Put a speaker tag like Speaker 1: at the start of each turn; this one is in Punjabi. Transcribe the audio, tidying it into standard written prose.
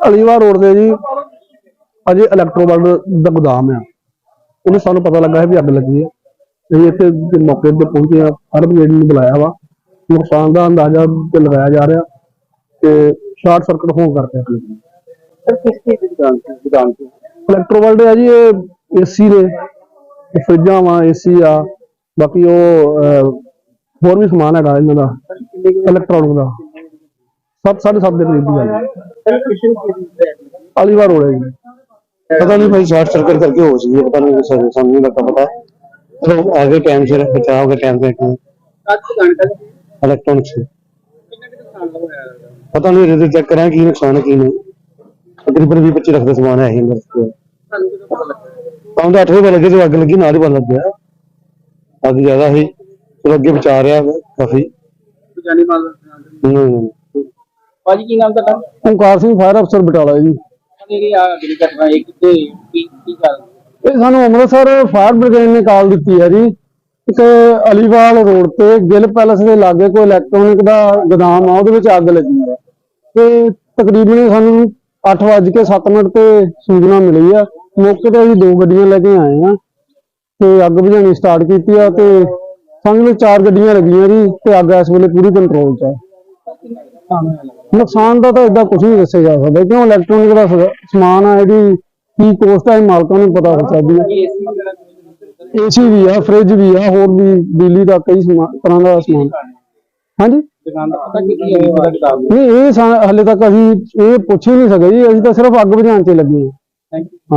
Speaker 1: ਅਲੀਵਾਲ ਰੋਡ ਤੇ ਜੀ ਅਜੇ ਇਲੈਕਟ੍ਰੋਵਰਲਡ ਦਾ ਗੋਦਾਮ ਆ। ਉਹਨੇ ਸਾਨੂੰ ਪਤਾ ਲੱਗਾ ਹੈ ਵੀ ਅੱਗ ਲੱਗੀ ਹੈ। ਅਸੀਂ ਇੱਥੇ ਮੌਕੇ ਤੇ ਪਹੁੰਚੇ ਆ, ਫਾਇਰ ਬ੍ਰਿਗੇਡ ਨੂੰ ਬੁਲਾਇਆ ਵਾ। ਨੁਕਸਾਨ ਦਾ ਅੰਦਾਜ਼ਾ ਤੇ ਲਗਾਇਆ ਜਾ ਰਿਹਾ ਤੇ ਸ਼ਾਰਟ ਸਰਕਟ ਹੋਣ ਕਰਕੇ ਅੱਗ ਲੱਗੀ।
Speaker 2: ਸਰ ਕਿਸ ਚੀਜ਼ ਦੀ ਦੁਕਾਨ ਸੀ?
Speaker 1: ਇਲੈਕਟ੍ਰੋਵਰਲਡ ਹੈ ਜੀ, ਇਹ ਏਸੀ ਨੇ, ਫਰਿੱਜਾਂ ਵਾ, ਏਸੀ ਆ, ਬਾਕੀ ਉਹ ਹੋਰ ਵੀ ਸਮਾਨ ਹੈਗਾ ਇਹਨਾਂ ਦਾ ਇਲੈਕਟ੍ਰੋਨਿਕ ਦਾ। 7:30 ਦੇ ਕਰੀਬ ਦੀ ਗੱਲ ਹੈ। ਅਲੀਵਾਲ ਰੋਡ ਹੈ ਜੀ।
Speaker 3: पता नहीं भाई शॉर्ट सर्किट करके हो सी पता नहीं समझ नहीं लगता पता तो आगे टाइम से बचाव के टाइम पे इलेक्ट्रॉनिक्स पता नहीं रिजल्ट चेक करें की नुकसान है की नहीं। तकरीबन 20-25 लाख का सामान है अंदर। काम तो 8 बजे लगे जो अग लगी ना ही पता लग गया अग ज्यादा ही तो अगे बचा रहा काफी।
Speaker 1: ਓਮਕਾਰ ਸਿੰਘ ਫਾਇਰ ਅਫਸਰ ਬਟਾਲਾ ਜੀ। ਇਹ ਸਾਨੂੰ ਅੰਮ੍ਰਿਤਸਰ ਫਾਇਰ ਬ੍ਰਿਗੇਡ ਨੇ ਕਾਲ ਦਿੱਤੀ ਹੈ ਜੀ। ਇੱਕ ਅਲੀਵਾਲ ਰੋਡ ਤੇ ਗਿੱਲ ਪੈਲਸ ਦੇ ਲਾਗੇ ਕੋਈ ਇਲੈਕਟ੍ਰੋਨਿਕ ਦਾ ਗੋਦਾਮ ਆ, ਉਹਦੇ ਵਿੱਚ ਅੱਗ ਲੱਗੀ ਹੈ ਤੇ ਤਕਰੀਬਨ ਸਾਨੂੰ 8:07 ਤੇ ਸੂਚਨਾ ਮਿਲੀ ਆ। ਮੌਕੇ ਤੇ ਅਸੀਂ 2 ਗੱਡੀਆਂ ਲੈ ਕੇ ਆਏ ਆ ਤੇ ਅੱਗ ਬੁਝਾਉਣੀ ਸਟਾਰਟ ਕੀਤੀ ਆ ਤੇ ਸਾਨੂੰ 4 ਗੱਡੀਆਂ ਲੱਗੀਆਂ ਜੀ ਤੇ ਅੱਗ ਇਸ ਵੇਲੇ ਪੂਰੀ ਕੰਟਰੋਲ 'ਚ ਆ। ਨੁਕਸਾਨ ਦਾ ਤਾਂ ਏਦਾਂ ਕੁਝ ਨਹੀਂ ਦੱਸਿਆ ਜਾ ਸਕਦਾ ਕਿਉਂ ਇਲੈਕਟ੍ਰੋਨਿਕ ਦਾ ਸਮਾਨ ਆ, ਇਹਦੀ ਕੀ ਕੋਸਟ ਆ ਮਾਲਕਾਂ ਨੂੰ ਪਤਾ ਹੋ ਸਕਦੀ ਹੈ। ਏਸੀ ਵੀ ਆ, ਫ੍ਰਿਜ ਵੀ ਆ, ਹੋਰ ਵੀ ਬਿਜਲੀ ਦਾ ਕਈ ਤਰ੍ਹਾਂ ਦਾ ਸਮਾਨ। ਹਾਂਜੀ ਨਹੀਂ, ਇਹ ਹਾਲੇ ਤੱਕ ਅਸੀਂ ਇਹ ਪੁੱਛ ਹੀ ਨਹੀਂ ਸਕੇ ਜੀ। ਅਸੀਂ ਤਾਂ ਸਿਰਫ ਅੱਗ ਬੁਝਾਉਣ 'ਚ ਲੱਗੇ ਹਾਂ।